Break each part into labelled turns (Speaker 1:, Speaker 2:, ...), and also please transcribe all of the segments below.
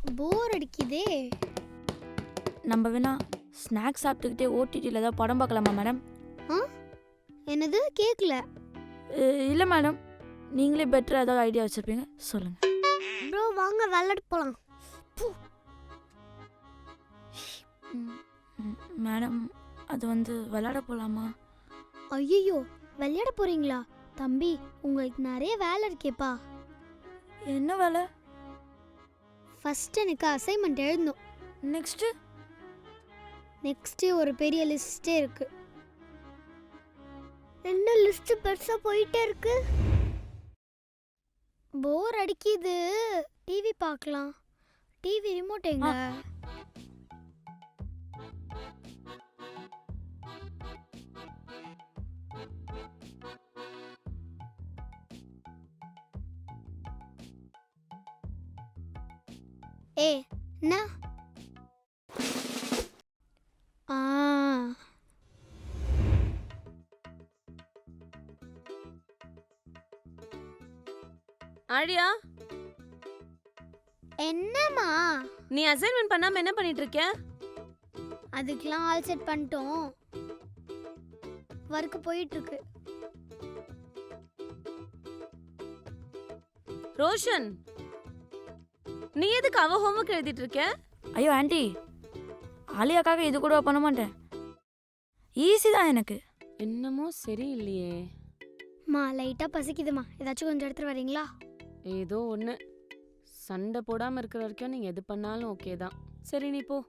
Speaker 1: போர் அடிக்குதே.
Speaker 2: நம்ம வேணா ஸ்நாக்ஸ் சாப்பிட்டுக்கிட்டே ஓடிடியில் ஏதாவது படம் பார்க்கலாமா மேடம்?
Speaker 1: ஆ என்னது கேட்கல.
Speaker 2: இல்லை மேடம், நீங்களே பெட்டராக ஏதாவது ஐடியா வச்சுருப்பீங்க, சொல்லுங்கள்.
Speaker 1: ப்ரோ வாங்க விளையாட போகலாம்.
Speaker 2: மேடம், அது வந்து விளையாட போகலாமா?
Speaker 1: ஐயோ விளையாட போறீங்களா? தம்பி உங்களுக்கு நிறைய வேலை இருக்கேப்பா.
Speaker 2: என்ன வேலை?
Speaker 1: ஃபர்ஸ்ட் எனக்கு அசைன்மெண்ட் எழுதணும். நெக்ஸ்ட் ஒரு பெரிய லிஸ்டே இருக்கு. என்ன லிஸ்ட் பெருசா போயிட்டே இருக்கு. போர் அடிக்குது, டிவி பார்க்கலாம். டிவி ரிமோட் எங்க? என்ன?
Speaker 3: ஆழியா,
Speaker 1: என்னம்மா?
Speaker 3: நீ அசைன்மெண்ட் பண்ணாம என்ன பண்ணிட்டு இருக்க?
Speaker 1: அதுக்கெல்லாம் ஆல் செட் பண்ணிட்டோம். வர்க் போயிட்டு இருக்கு.
Speaker 3: ரோஷன், நீ எதுக்கு அவ ஹோம்வொர்க் எழுதிட்டு இருக்க?
Speaker 2: ஐயோ ஆண்டி, ஆலியாக்காக இது கூட பண்ண மாட்டேன். ஈஸி தான் எனக்கு.
Speaker 3: என்னமோ சரியில்லையே.
Speaker 1: மா லைட்டா பசிக்குதுமா, ஏதாச்சும் கொஞ்சம் எடுத்துட்டு வரீங்களா?
Speaker 3: ஏதோ ஒன்று. சண்டை போடாமல் இருக்கிற வரைக்கும் நீங்கள் எது பண்ணாலும் ஓகே தான். சரி நீ போ.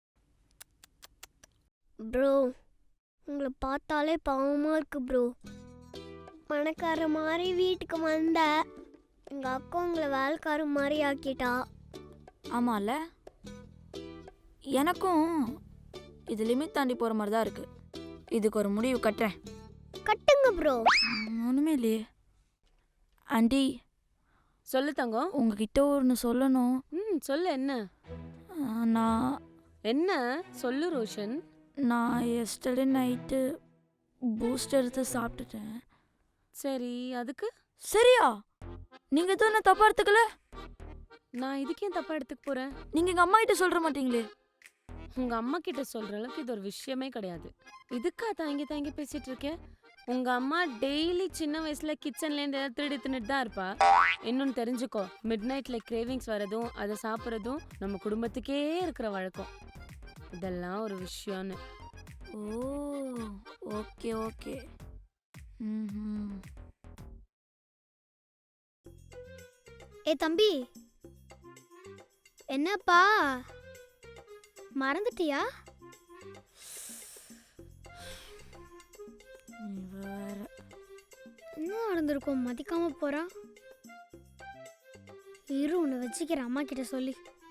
Speaker 1: ப்ரோ உங்களை பார்த்தாலே பாவமாக இருக்கு ப்ரோ. பணக்கார மாதிரி வீட்டுக்கு வந்த எங்கள் அக்கா உங்களை வேலைக்கார மாதிரி ஆக்கிட்டா.
Speaker 2: ஆமாம்ல, எனக்கும் இது லிமிட் தாண்டி போகிற மாதிரி தான் இருக்குது. இதுக்கு ஒரு முடிவு கட்டுறேன்.
Speaker 1: கட்டுங்க ப்ரோ.
Speaker 2: ஒன்றுமே இல்லையே. ஆண்டி,
Speaker 3: சொல்லு தங்கம்.
Speaker 2: உங்ககிட்ட ஒன்று சொல்லணும்.
Speaker 3: சொல்லு. என்ன?
Speaker 2: நான்
Speaker 3: என்ன சொல்லு ரோஷன்.
Speaker 2: நான் எஸ்டர்டே நைட்டு பூஸ்ட் எடுத்து சாப்பிட்டுட்டேன்.
Speaker 3: சரி, அதுக்கு?
Speaker 2: சரியா? நீங்கள் எதுவும் என்ன தப்பாக எடுத்துக்கல?
Speaker 3: நான் இதுக்கே தப்பாக எடுத்துக்க போகிறேன்?
Speaker 2: நீங்கள் எங்கள் அம்மா கிட்ட சொல்கிற மாட்டீங்களே?
Speaker 3: உங்கள் அம்மா கிட்ட சொல்கிற அளவுக்கு இது ஒரு விஷயமே கிடையாது. இதுக்கா தாங்கி தாங்கி பேசிகிட்டு இருக்கேன்? உங்கள் அம்மா டெய்லி சின்ன வயசில் கிச்சன்லேருந்து ஏதாவது திருடி தின்னுட்டு தான் இருப்பா. இன்னொன்று தெரிஞ்சுக்கோ, மிட் நைட்டில் கிரேவிங்ஸ் வரதும் அதை சாப்பிட்றதும் நம்ம குடும்பத்துக்கே இருக்கிற வழக்கம். இதெல்லாம் ஒரு விஷயம்னு.
Speaker 2: Oh okay okay.
Speaker 1: தம்பி, என்னப்பா மறந்துட்டியா? என்ன நடந்திருக்கும்? மதிக்காம போறா. இரு உன்னை வச்சுக்கிறேன் அம்மா கிட்ட சொல்லி.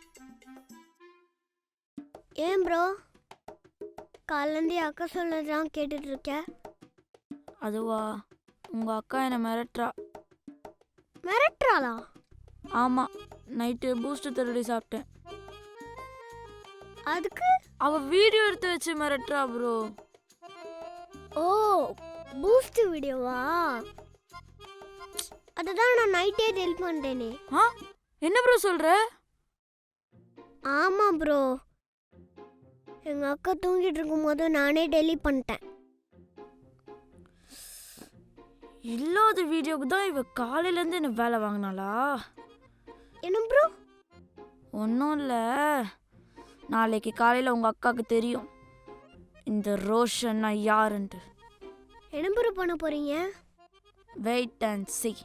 Speaker 1: ஏன் ப்ரோ காலேந்தி அக்கா சொல்லதான் கேட்டுட்டு இருக்க?
Speaker 2: அதுவா, உங்கள் அக்கா என்னை மிரட்டுறா.
Speaker 1: மிரட்டுறாளா?
Speaker 2: ஆமாம், நைட்டு பூஸ்ட் திருடி சாப்பிட்டேன்.
Speaker 1: அதுக்கு
Speaker 2: அவள் வீடியோ எடுத்து வச்சு மிரட்டுறா ப்ரோ.
Speaker 1: ஓ பூஸ்ட் வீடியோவா? அதுதான் நான் நைட்டே டெலிட் பண்ணிட்டேனே.
Speaker 2: என்ன ப்ரோ சொல்கிற?
Speaker 1: ஆமாம் ப்ரோ, எங்கள் அக்கா தூங்கிட்டு இருக்கும்போது நானே டெலிட் பண்ணிட்டேன்.
Speaker 2: இல்லாத வீடியோவுக்கு தான் இவ காலையிலேருந்து என்ன வேலை வாங்கினாளா?
Speaker 1: என்ன ப்ரோ?
Speaker 2: ஒன்றும் இல்லை, நாளைக்கு காலையில் உங்கள் அக்காவுக்கு தெரியும் இந்த ரோஷன் நான் யாருன்ட்டு.
Speaker 1: என்ன ப்ரோ பண்ண போகிறீங்க?
Speaker 2: Wait and see.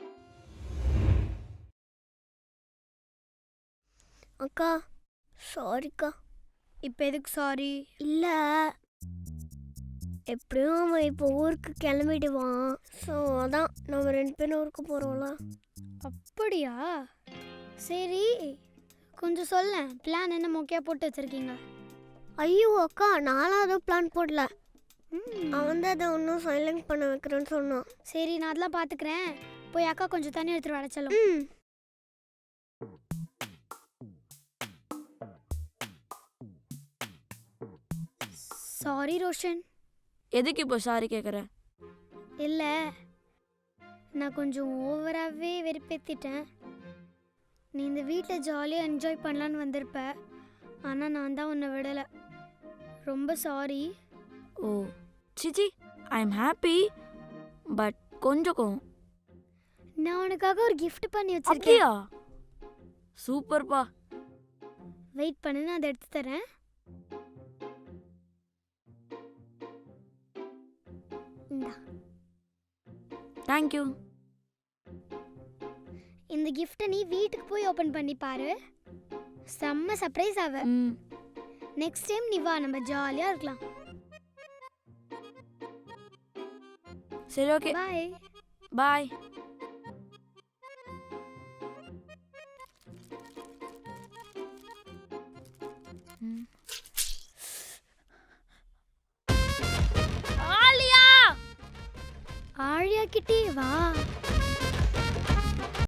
Speaker 1: அக்கா சாரிக்கா. இப்போ எதுக்கு சாரி? இல்லை, எப்படியும் அவன் இப்போ ஊருக்கு கிளம்பிடுவான். ஸோ அதான் நம்ம 2 பேரும் ஊருக்கு போகிறோம்ல. அப்படியா? சரி கொஞ்சம் சொல்ல, பிளான் என்ன மொக்கையாக போட்டு வச்சுருக்கீங்க? ஐயோ அக்கா, நானும் அதுவும் பிளான் போடல. அவன் தான் அதை ஒன்றும் சைலண்ட் பண்ண வைக்கிறேன்னு சொன்னான். சரி நான் அதெல்லாம் பார்த்துக்கிறேன். போய் அக்கா கொஞ்சம் தண்ணி எடுத்துகிட்டு வர சொல்லும். சாரி ரோஷன்.
Speaker 2: எதுக்கு இப்போ சாரி கேட்குற?
Speaker 1: இல்லை, நான் கொஞ்சம் ஓவராகவே வெறுப்பேற்றிட்டேன். நீ இந்த வீட்டில் ஜாலியாக என்ஜாய் பண்ணலான்னு வந்திருப்ப. ஆனால் நான் தான் உன்னை விடலை. ரொம்ப சாரி.
Speaker 2: ஓ சிச்சி, ஐ எம் ஹாப்பி, பட் கொஞ்சம் கோவம்.
Speaker 1: நான் உனக்காக ஒரு gift பண்ணி வச்சிருக்கேன்.
Speaker 2: அப்படியா? சூப்பர்ப்பா.
Speaker 1: வெயிட் பண்ணு, நான் அதை எடுத்து தரேன். இந்தா.
Speaker 2: தேங்க்யூ.
Speaker 1: இந்த கிஃப்ட்டை நீ வீட்டுக்கு போய் ஓப்பன் பண்ணி பாரு. செம்ம சர்ப்ரைஸ் ஆவ.
Speaker 2: ம்
Speaker 1: நெக்ஸ்ட் டைம் நீ வா, நம்ம ஜாலியாக இருக்கலாம்.
Speaker 2: சரி, ஓகே,
Speaker 1: பாய்.
Speaker 2: பாய்.
Speaker 1: ஆழியா கிட்டே வா.